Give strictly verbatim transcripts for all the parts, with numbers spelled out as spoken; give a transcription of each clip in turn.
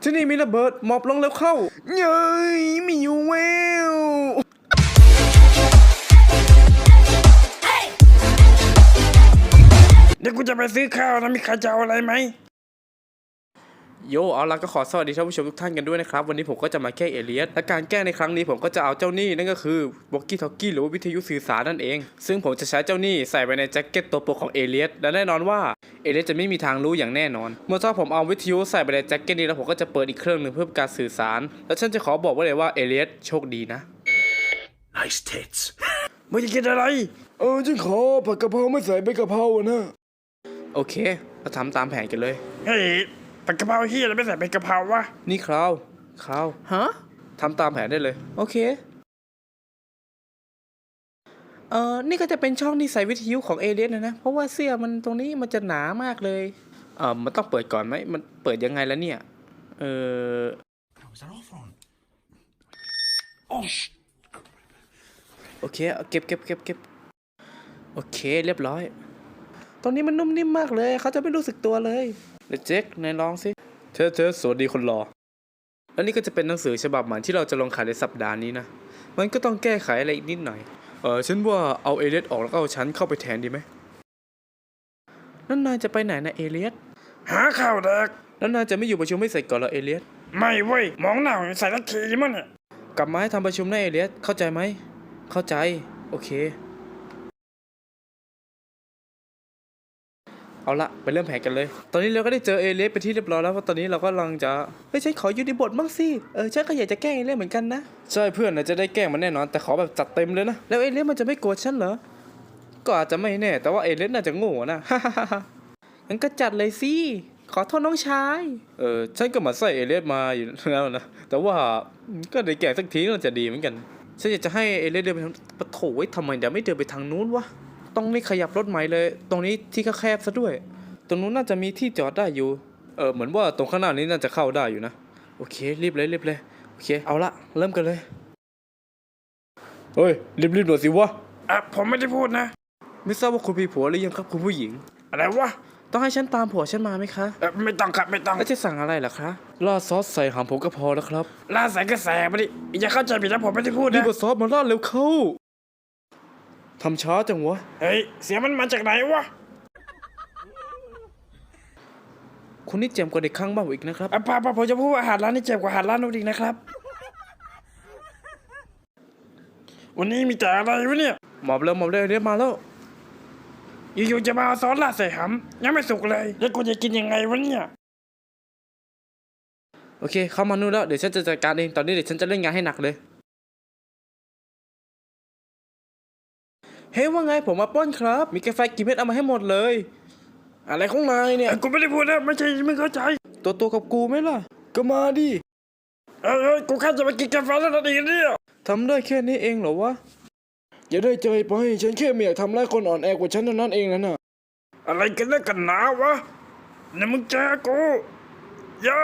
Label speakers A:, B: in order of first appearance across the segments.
A: ที่นี่มีระเบิดหมอบลงแล้วเข้าเย้ยมีอยู่แววเดี๋ยวกูจะไปซื้อข้าวนะมีใครจะเอาอะไรไหมโยเอาละก็ขอสวัสดีท่านผู้ชมทุกท่านกันด้วยนะครับวันนี้ผมก็จะมาแก้เอเลียสและการแก้ในครั้งนี้ผมก็จะเอาเจ้านี่นั่นก็คือวอกกี้ทอกกี้หรือว่าวิทยุสื่อสารนั่นเองซึ่งผมจะใช้เจ้านี่ใส่ไปในแจ็คเก็ตตัวโปรของเอเลียสและแน่นอนว่าเอเลียสจะไม่มีทางรู้อย่างแน่นอนเมื่อถ้าผมเอาวิทยุใส่ไปในแจ็คเก็ตนี้แล้วผมก็จะเปิดอีกเครื่องหนึ่งเพื่อการสื่อสารและฉันจะขอบอกไว้เลยว่าเอเลียสโชคดีนะ
B: Nice tits
A: มึงจะกินอะไรเออฉันขอผัดกะเพราไม่ใส่ใบกะเพราอะนะโอเคเราทำตามแผนกันเลย
B: เฮ้ยผัดกะเพราเฮียแล้วไม่ใส่เป็นกะเพราวะ
A: นี่คราวคราวฮะทำตามแผนได้เลยโอเคเออนี่ก็จะเป็นช่องที่ใส่วิทยุของเอเลียสนะนะเพราะว่าเสื้อมันตรงนี้มันจะหนามากเลยเออมันต้องเปิดก่อนไหมมันเปิดยังไงแล้วเนี่ยเออ
B: Was that off on? Oh sh
A: โอเคเก็บเก็บเก็บเก็บโอเคเรียบร้อยตอนนี้มันนุ่มนิ่มมากเลยเขาจะไม่รู้สึกตัวเลยเดี๋ยวเจ๊กนายลองสิเธอเธอสวัสดีคนรอแล้วนี่ก็จะเป็นหนังสือฉบับใหม่ที่เราจะลงขายในสัปดาห์นี้นะมันก็ต้องแก้ไขอะไรอีกนิดหน่อยเออฉันว่าเอาเอเลียสออกแล้วก็เอาฉันเข้าไปแทนดีไหมนั่นนายจะไปไหนนะเอเลียส
B: หาข้าวแดก
A: แล้วนายจะไม่อยู่ประชุมไม่เสร็จก่อนเหรอเอเลียส
B: ไม่เว้ยมองหน้าใส่ละทีมั้งเนี่ย
A: กลับมาให้ทำประชุมนะเอเลียสเข้าใจไหมเข้าใจโอเคเอาละไปเริ่มแผนกันเลยตอนนี้เราก็ได้เจอเอเลียสไปที่เรียบร้อยแล้วเพราะตอนนี้เราก็กำลังจะเฮ้ยฉันขออยู่ในบทบ้างสิเออฉันก็อยากจะแกล้งเอเลียสเหมือนกันนะใช่เพื่อนนะจะได้แกล้งมันแน่นอนแต่ขอแบบจัดเต็มเลยนะแล้วเอเลียสมันจะไม่โกรธฉันเหรอก็อาจจะไม่แน่แต่ว่าเอเลียสน่าจะโง่นะฮ่าฮ่าฮ่างั้นก็จัดเลยสิขอโทษน้องชายเออฉันก็มาใส่เอเลียสมาอยู่แล้วนะแต่ว่าก็ได้แกล้งสักทีน่าจะดีเหมือนกันฉันอยากจะให้เอเลียสเดินไปทางปะโถไว้ทำไมเดี๋ยวไม่เดินไปทางนู้นวะต้องนี่ขยับรถใหม่เลยตรงนี้ที่แคบซะด้วยตรงนู้นน่าจะมีที่จอดได้อยู่เออเหมือนว่าตรงข้างหน้านี้น่าจะเข้าได้อยู่นะโอเครีบเลยรีบเลยโอเคเอาละเริ่มกันเลยเฮ้ยรีบรีบหน่อยสิวะ
B: อ่ะผมไม่ได้พูดนะ
A: ไม่ทราบว่าคุณมีผัวหรือยังครับคุณผู้หญิง
B: อะไรวะ
A: ต้องให้ฉันตามผัวฉันมาไหมคะ
B: เออไม่ต้องครับไม่ต้อง
A: แล้วจะสั่งอะไรล่ะคะราดซอสใส่หางผมก็พอแล้วครับ
B: ลาใส่กระแสมาดิอย่าเข้าใจผิดนะผมไม่ได้พูดนะ
A: รีบเอาซอสมาราดเร็วเข้าทำช้าจังวะ
B: เฮ้ยเสียงมันมาจากไหนวะ
A: คุณนี่เจ็บกว่าเด็กข้างบ้านอีกนะครับ
B: อ่ะป้าป้าผมจะพูดว่าอาหารร้านนี้เจ็บกว่าอาหารร้านนู้นอีกนะครับวันนี้มีแต่อะไรวะเนี่ย
A: หมอบเร็วหมอบเร็วเรียบมาแล้ว
B: อยู่ๆจะมาเอาซอสราดใส่หำยังไม่สุกเลยแล้วกูจะกินยังไงวะเนี่ย
A: โอเคเข้ามานู่นแล้วเดี๋ยวฉันจะจัดการเองตอนนี้เดี๋ยวฉันจะเล่นงานให้หนักเลยเฮ้ยว่าไงผมมาป้อนครับมีกาแฟกี่เม็ดเอามาให้หมดเลยอะไรของนายเนี่ย
B: กูไม่ได้พูดนะไม่ใช่ไม่เข้าใจ
A: ตัวตัวกับกูไหมล่ะก็มาดิ
B: เอ้ยกูแค่จะไปกินกาแฟแล้วนั่นเองเนี่ย
A: ทำได้แค่นี้เองเหรอวะอย่าได้ใจไปฉันแค่ไม่อยากทำร้ายคนอ่อนแอกว่าฉันเท่านั้นเองนะน่ะ
B: อะไรกันนักกันหนาวะเนี่ยมึงเจอกูย่า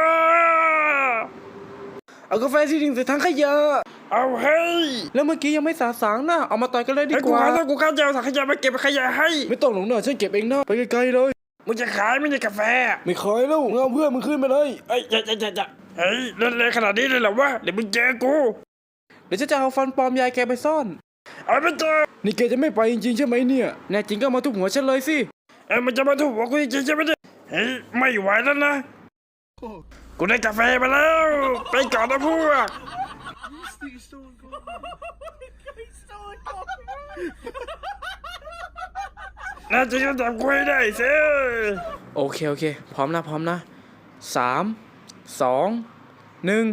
A: เอากาแฟที่ดิ่งใส่ถังขยะ
B: เอาเฮ้ย
A: แล้วเมื่อกี้ยังไม่สาสางนะเอามาต่อยกันเลยดีกว่า
B: ถ้ากูข้าจะเอาถังขยะมาเก็บขยะให้
A: ไม่ต้องหลงหน้าฉันเก็บเองนะไปไกลๆเลย
B: มึงจะขายไม่ใช่กาแฟ
A: ไม่ขายแล้วเอาเพื่อนมึงขึ้นไปเลย
B: เอ้ยอย่าอย่าอย่าอย่าเฮ้ยเล่นเลยขนาดนี้เลยเหรอวะเดี๋ยวมึงเจอกู
A: เดี๋ยวฉันจะเอาฟันปลอมยายแกไปซ่อน
B: เอาไปเจอ
A: นี่แกจะไม่ไปจริงๆใช่ไหมเนี่ยแน่จริงก็มาทุบหัวฉันเลยสิ
B: เอ้ยมันจะมาทุบหัวกูจริงๆใช่ไหมเนี่ยเฮ้ยไม่ไหวแล้วนะกูได้กาแฟมาแล้วไปก่อนนะพวกน่าจะยังจับกูให้ได้สิ
A: โอเคโอเคพร้อมนะพร้อมนะสามสองหนึ่ง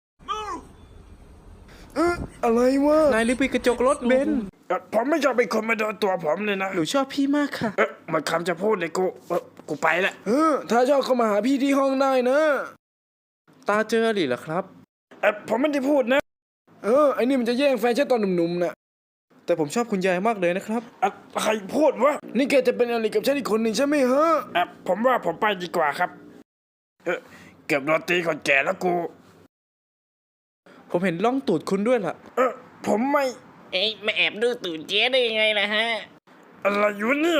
A: เอ๊ะอะไรวะนายรีบปิดกระจกรถเบน
B: ผมไม่ชอบเป็นคนมาโดนตัวผมเลยนะ
A: หนูชอบพี่มากค่ะ
B: เอ๊ะมันคำจะพูดเลยกูเออกูไปละ
A: เออถ้าชอบเข้ามาหาพี่ที่ห้องได้นะตาเจอหรือเหรอครับ
B: เอ๊ะผมไม่ได้พูดนะ
A: เออไอ้นี่มันจะแย่งแฟนฉันตอนหนุ่มๆน่ะแต่ผมชอบคุณยายมากเลยนะครับ
B: ใครพูดวะ
A: นี่แกจะเป็นอะไรกับฉันอีกคนหนึ่งใช่ไหมฮะ
B: เอ๊ะผมว่าผมไปดีกว่าครับเออเก็บโรตีก่อนแก่แล้วกู
A: ผมเห็นล่องตูดคุณด้วยล่ะ
B: เออผมไม่
C: เอ๊ะมาแอบดูตูดเจ๊ได้ยังไงล่ะฮะ
B: อะไรอยู่เนี่ย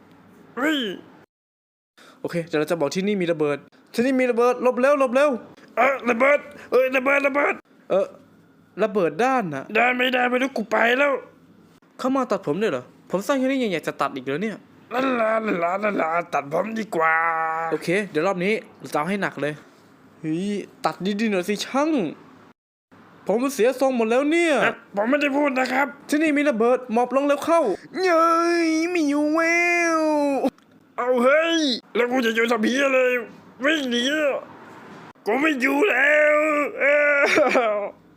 B: เฮ้ย
A: โอเคเดี๋ยวเราจะบอกที่นี่มีระเบิดที่นี่มีระเบิดหลบเร็วหลบเร็ว
B: เออระเบิดเอ้ยระเบิดระเบิด
A: เออระเบิดด้านน่ะ
B: ได้ไม่ได้ไม่รู้กูไปแล้ว
A: เข้ามาตัดผมด้วยเหรอผมสร้างแค่นี้ยังอยากจะตัดอีกเหรอเนี่ย
B: ลาลาลาลาลาตัดผมดีกว่า
A: โอเค เดี๋ยวรอบนี้เราจะเอาให้หนักเลยเฮ้ยตัดดีๆหน่อยสิช่างผมมันเสียทรงหมดแล้วเนี่ย
B: เอ๊ะผมไม่ได้พูดนะครับ
A: ที่นี่มีระเบิดหมอบลงแล้วเข้าเย้ยไม่อยู่แวว
B: เอาเฮ้ยแล้วกูจะอยู่ทำเพี้ยเลยวิ่งหนีกูไม่อยู่แล้วเออ